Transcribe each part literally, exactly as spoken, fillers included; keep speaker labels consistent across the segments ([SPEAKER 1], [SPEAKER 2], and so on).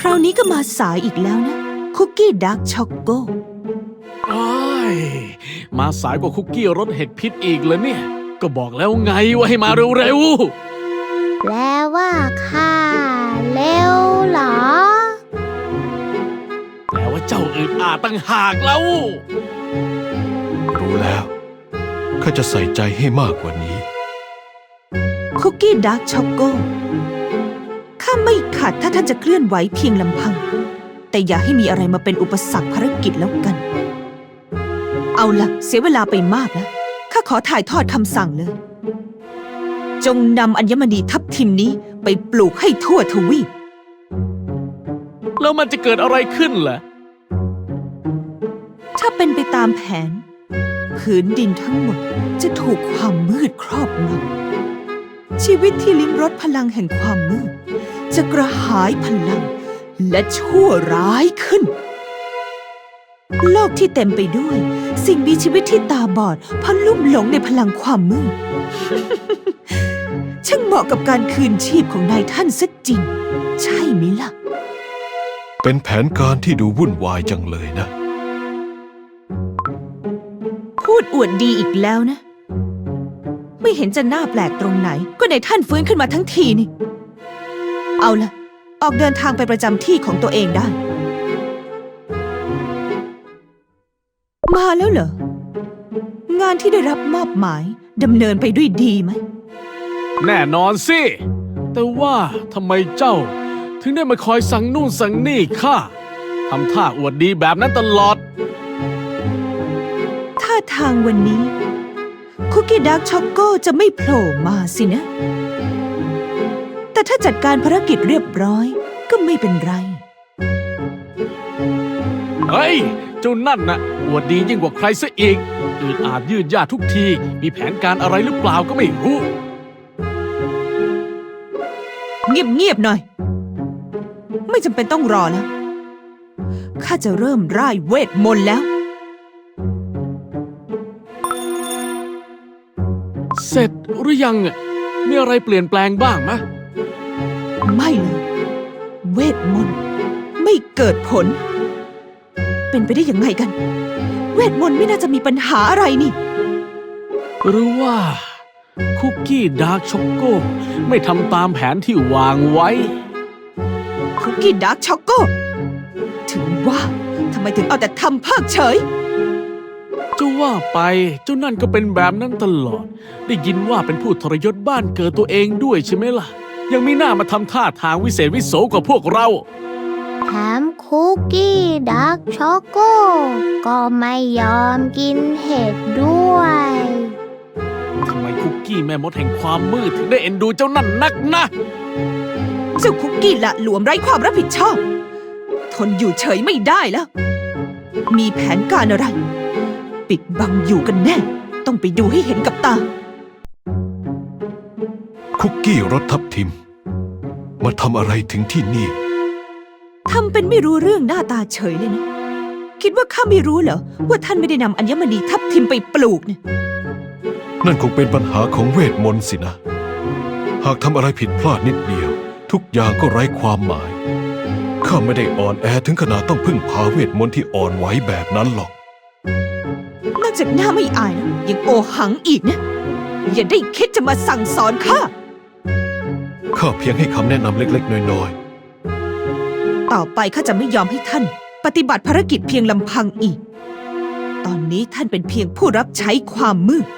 [SPEAKER 1] ราวนี้ก็มาสายอีกแล้วนะคุกกี้ดาร์กช็อกโก
[SPEAKER 2] อ้ายมาสายกว่าคุกกี้รสเห็ดพิษอีกเลยเนี่ยก็บอกแล้วไงว่าให้มาเร็ว
[SPEAKER 3] แปลว่าข้าเร็วเหรอ
[SPEAKER 2] ๆแปลว่าเจ้าอึดอาดตั้งหากแล้ว
[SPEAKER 4] รู้แล้วข้าจะใส่ใจให้มากกว่านี้
[SPEAKER 1] คุกกี้ดาร์กช็อกโกข้าไม่ขัดถ้าท่านจะเคลื่อนไหวเพียงลำพังแต่อย่าให้มีอะไรมาเป็นอุปสรรคภารกิจแล้วกันเอาล่ะเสียเวลาไปมากแล้วข้าขอถ่ายทอดคำสั่งเลยจงนำอัญมณีทับทิมนี้ไปปลูกให้ทั่วทวีป
[SPEAKER 2] แล้วมันจะเกิดอะไรขึ้นล่ะ
[SPEAKER 1] ถ้าเป็นไปตามแผนผืนดินทั้งหมดจะถูกความมืดครอบงำชีวิตที่ลิ้มรสพลังแห่งความมืดจะกระหายพลังและชั่วร้ายขึ้นโลกที่เต็มไปด้วยสิ่งมีชีวิตที่ตาบอดเพราะลุ่มหลงในพลังความมืด ช่างเหมาะกับการคืนชีพของนายท่านซะจริงใช่ไหมล่ะ
[SPEAKER 4] เป็นแผนการที่ดูวุ่นวายจังเลยนะ
[SPEAKER 1] พูดอวดดีอีกแล้วนะไม่เห็นจะน่าแปลกตรงไหนก็นายท่านฟื้นขึ้นมาทั้งทีนี่เอาล่ะออกเดินทางไปประจำที่ของตัวเองได้มาแล้วเหรองานที่ได้รับมอบหมายดำเนินไปด้วยดีไหม
[SPEAKER 2] แน่นอนสิแต่ว่าทำไมเจ้าถึงได้มาคอยสั่งนู่นสั่งนี่ข้าทำท่าอวดดีแบบนั้นตลอด
[SPEAKER 1] ท่าทางวันนี้คุกกี้ดาร์กช็อกโกจะไม่โผล่มาสินะแต่ถ้าจัดการภารกิจเรียบร้อยก็ไม่เป็นไร
[SPEAKER 2] เฮ้ยเจ้านั่นน่ะอวดดียิ่งกว่าใครซะอีกอืดอาดยืดยาดทุกทีมีแผนการอะไรหรือเปล่าก็ไม่รู้
[SPEAKER 1] เงียบๆหน่อยไม่จำเป็นต้องรอแล้วข้าจะเริ่มร่ายเวทมนต์แล้ว
[SPEAKER 2] เสร็จหรือยังมีอะไรเปลี่ยนแปลงบ้างมะ
[SPEAKER 1] ไม่เลยเวทมนต์ไม่เกิดผลเป็นไปได้ยังไงกันเวทมนต์ไม่น่าจะมีปัญหาอะไรนี่
[SPEAKER 2] หรือว่าคุกกี้ดาร์กช็อกโกไม่ทำตามแผนที่วางไว้
[SPEAKER 1] คุกกี้ดาร์กช็อกโกถึงว่าทำไมถึงเอาแต่ทำเพิกเฉย
[SPEAKER 2] จะว่าไปเจ้านั่นก็เป็นแบบนั้นตลอดได้ยินว่าเป็นผู้ทรยศบ้านเกิดตัวเองด้วยใช่ไหมล่ะยังมีหน้ามาทำท่าทางวิเศษวิโสกว่าพวกเรา
[SPEAKER 3] แถมคุกกี้ดาร์กช็อกโกก็ไม่ยอมกินเห็ดด้วย
[SPEAKER 2] ทำไมคุกกี้แม่มดแห่งความมืดถึงได้เอ็นดูเจ้านั่นนักนะ
[SPEAKER 1] เจ้าคุกกี้ละหลวมไร้ความรับผิดชอบทนอยู่เฉยไม่ได้แล้วมีแผนการอะไรปิดบังอยู่กันแน่ต้องไปดูให้เห็นกับตา
[SPEAKER 4] คุกกี้รสทับทิมมาทำอะไรถึงที่นี่
[SPEAKER 1] ทำเป็นไม่รู้เรื่องหน้าตาเฉยเลยนะคิดว่าข้าไม่รู้เหรอว่าท่านไม่ได้นำอัญมณีทับทิมไปปลูกเนี่ย
[SPEAKER 4] นั่นคงเป็นปัญหาของเวทมนต์สินะหากทำอะไรผิดพลาดนิดเดียวทุกอย่างก็ไร้ความหมายข้าไม่ได้อ่อนแอถึงขนาดต้องพึ่งพาเวทมนต์ที่อ่อนไหวแบบนั้นหรอก
[SPEAKER 1] นอกจากหน้าไม่อายแล้วยังโอหังอีกนะอย่าได้คิดจะมาสั่งสอนข้า
[SPEAKER 4] ข้าเพียงให้คำแนะนำเล็กๆน้อย
[SPEAKER 1] ๆต่อไปข้าจะไม่ยอมให้ท่านปฏิบัติภารกิจเพียงลำพังอีกตอนนี้ท่านเป็นเพียงผู้รับใช้ความมืด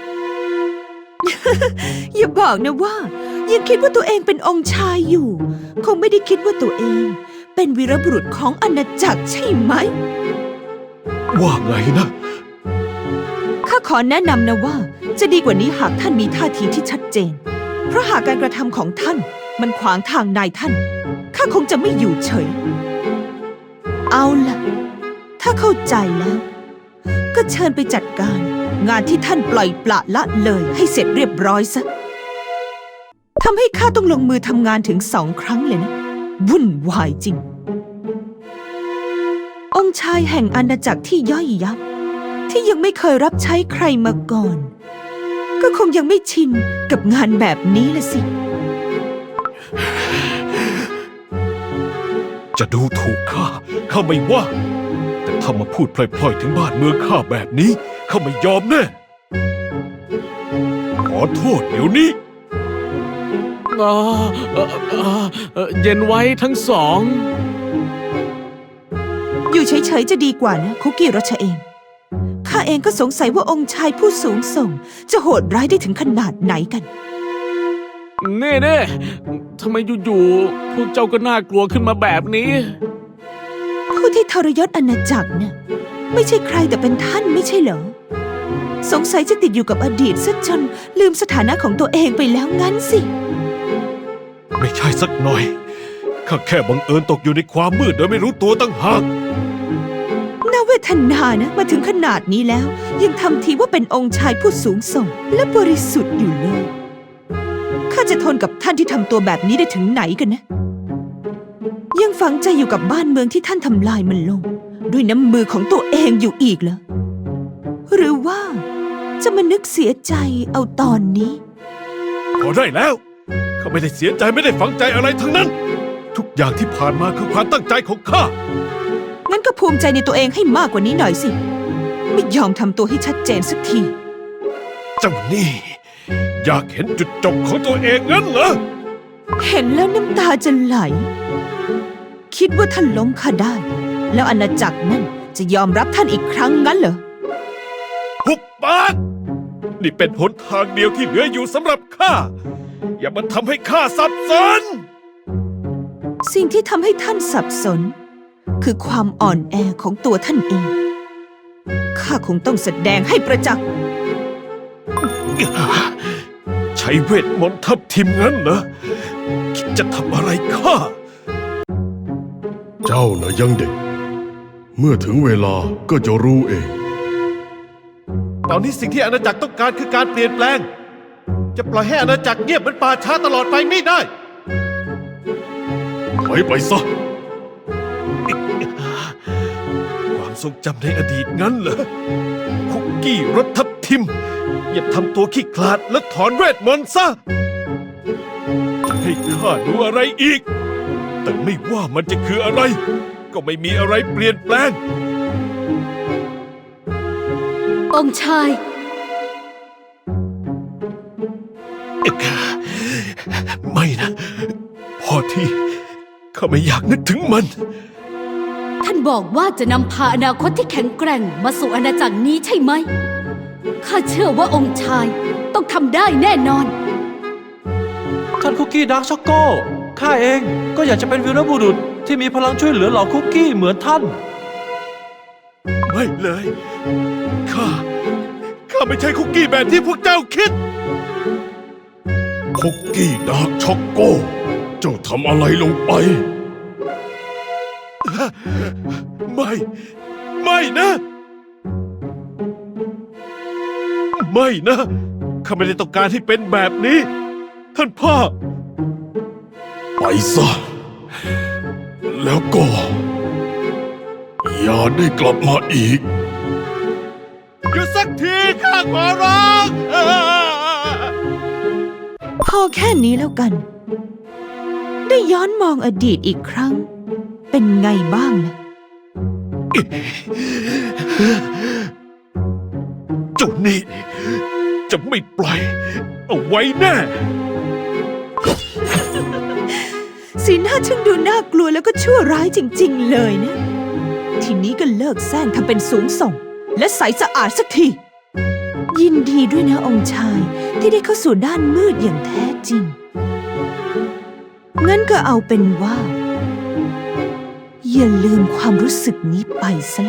[SPEAKER 1] อย่าบอกนะว่ายังคิดว่าตัวเองเป็นองค์ชายอยู่คงไม่ได้คิดว่าตัวเองเป็นวีรบุรุษของอาณาจักรใช่ไหม
[SPEAKER 4] ว่าไงนะ
[SPEAKER 1] ข้าขอแนะนำนะว่าจะดีกว่านี้หากท่านมีท่าทีที่ชัดเจนเพราะหากการกระทำของท่านมันขวางทางนายท่านข้าคงจะไม่อยู่เฉยเอาล่ะถ้าเข้าใจแล้วก็เชิญไปจัดการงานที่ท่านปล่อยปละละเลยให้เสร็จเรียบร้อยซะทำให้ข้าต้องลงมือทำงานถึงสองครั้งเลยนะวุ่นวายจริงองค์ชายแห่งอาณาจักรที่ย่อยยับที่ยังไม่เคยรับใช้ใครมาก่อนก็คงยังไม่ชินกับงานแบบนี้ละสิ
[SPEAKER 4] จะดูถูกข้าข้าไม่ว่า แต่ถ้ามาพูดพล่อยๆถึงบ้านเมืองข้าแบบนี้ข้าไม่ยอมแน่ขอโทษเดี๋ยวนี้
[SPEAKER 2] อ่าเอ่อเอ่อเอ่อเย็นไว้ทั้งสอง
[SPEAKER 1] อยู่เฉยๆจะดีกว่านะคุกกี้รัชเอมข้าเองก็สงสัยว่าองค์ชายผู้สูงส่ง จะโหดร้ายได้ถึงขนาดไหนกัน
[SPEAKER 2] เน่เน่ทำไมอยู่ๆพวกเจ้าก็น่ากลัวขึ้นมาแบบนี้
[SPEAKER 1] ผู้ที่ทรยศอาณาจักรน่ะไม่ใช่ใครแต่เป็นท่านไม่ใช่เหรอ สงสัยจะติดอยู่กับอดีตซะจนลืมสถานะของตัวเองไปแล้วงั้นสิ
[SPEAKER 4] ไม่ใช่สักหน่อยข้าแค่บังเอิญตกอยู่ในความมืดโดยไม่รู้ตัวตั้งหาก
[SPEAKER 1] น่าเวทนานะมาถึงขนาดนี้แล้ว ยังทำทีว่าเป็นองค์ชายผู้สูงส่งและบริสุทธิ์อยู่เลยข้าจะทนกับท่านที่ทำตัวแบบนี้ได้ถึงไหนกันนะ ยังฝังใจอยู่กับบ้านเมืองที่ท่านทำลายมันลง ด้วยน้ำมือของตัวเองอยู่อีกเหรอหรือว่าจะมานึกเสียใจเอาตอนนี้
[SPEAKER 4] พอได้แล้วข้าไม่ได้เสียใจไม่ได้ฝังใจอะไรทั้งนั้น ทุกอย่างที่ผ่านมาคือความตั้งใจของข้า
[SPEAKER 1] งั้นก็ภูมิใจในตัวเองให้มากกว่านี้หน่อยสิ ไม่ยอมทำตัวให้ชัดเจนสักที
[SPEAKER 4] เจ้านี่อยากเห็นจุดจบของตัวเองงั้นเหรอ
[SPEAKER 1] เห็นแล้วน้ำตาจะไหล คิดว่าท่านล้มข้าได้ แล้วอาณาจักรนั่นจะยอมรับท่านอีกครั้งงั้นเหรอ
[SPEAKER 4] หุบปากนี่เป็นหนทางเดียวที่เหลืออยู่สำหรับข้า อย่ามาทำให้ข้าสับสน
[SPEAKER 1] สิ่งที่ทำให้ท่านสับสน คือความอ่อนแอของตัวท่านเอง ข้าคงต้องแสดงให้ประจักษ์
[SPEAKER 4] ใช้เวทมนต์ทับทิมงั้นเหรอคิดจะทำอะไรข้า
[SPEAKER 5] เจ้าน่ะยังเด็ก เมื่อถึงเวลาก็จะรู้เอง
[SPEAKER 4] ตอนนี้สิ่งที่อาณาจักรต้องการคือการเปลี่ยนแปลง จะปล่อยให้อาณาจักรเงียบเหมือนป่าช้าตลอดไปไม่ได้
[SPEAKER 5] ถอยไปซะ
[SPEAKER 4] ความทรงจำในอดีตงั้นเหรอ คุกกี้รสทับทิม อย่าทำตัวขี้ขลาดและถอนเวทมนต์ซะ จะให้ข้าดูอะไรอีก แต่ไม่ว่ามันจะคืออะไร ก็ไม่มีอะไรเปลี่ยนแปลง
[SPEAKER 6] องค์ชาย
[SPEAKER 4] ไม่นะ พอที่ข้าไม่อยากนึกถึงมัน
[SPEAKER 6] ท่านบอกว่าจะนำพาอนาคตที่แข็งแกร่งมาสู่อาณาจักรนี้ใช่ไหม ข้าเชื่อว่าองค์ชายต้องทำได้แน่นอน
[SPEAKER 7] ท่านคุกกี้ดาร์กช็อกโก้ ข้าเองก็อยากจะเป็นวีรบุรุษที่มีพลังช่วยเหลือเหล่าคุกกี้เหมือนท่าน
[SPEAKER 4] ไม่เลย ข้า ข้าไม่ใช่คุกกี้แบบที่พวกเจ้าคิด
[SPEAKER 5] คุกกี้ดาร์กช็อกโก เจ้าทำอะไรลงไป
[SPEAKER 4] ไม่ ไม่นะ ไม่นะ ข้าไม่ได้ต้องการให้เป็นแบบนี้ ท่านพ่อ
[SPEAKER 5] ไปซะ แล้วก็ อย่าได้กลับมาอีก
[SPEAKER 4] หยุดสักทีข้าขอร้อง
[SPEAKER 1] พอแค่นี้แล้วกัน ได้ย้อนมองอดีตอีกครั้ง เป็นไงบ้างล่ะ
[SPEAKER 4] เจ้านี่จะไม่ปล่อย เอาไว้แน่
[SPEAKER 1] สีหน้าช่างดูน่ากลัวแล้วก็ชั่วร้ายจริงๆเลยนะ ทีนี้ก็เลิกแซงทำเป็นสูงส่ง และใสสะอาดสักที ยินดีด้วยนะองค์ชายที่ได้เข้าสู่ด้านมืดอย่างแท้จริง งั้นก็เอาเป็นว่า อย่าลืมความรู้สึกนี้ไปซะละ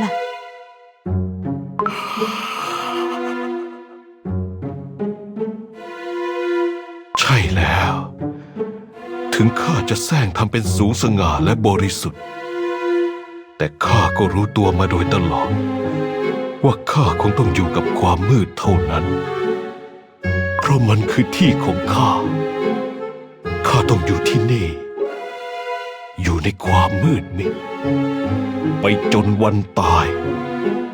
[SPEAKER 4] ใช่แล้ว ถึงข้าจะแซงทำเป็นสูงสง่าและบริสุทธิ์ แต่ข้าก็รู้ตัวมาโดยตลอด ว่าข้าคงต้องอยู่กับความมืดเท่านั้น เพราะมันคือที่ของข้า ข้าต้องอยู่ที่นี่ อยู่ในความมืดมิดไปจนวันตาย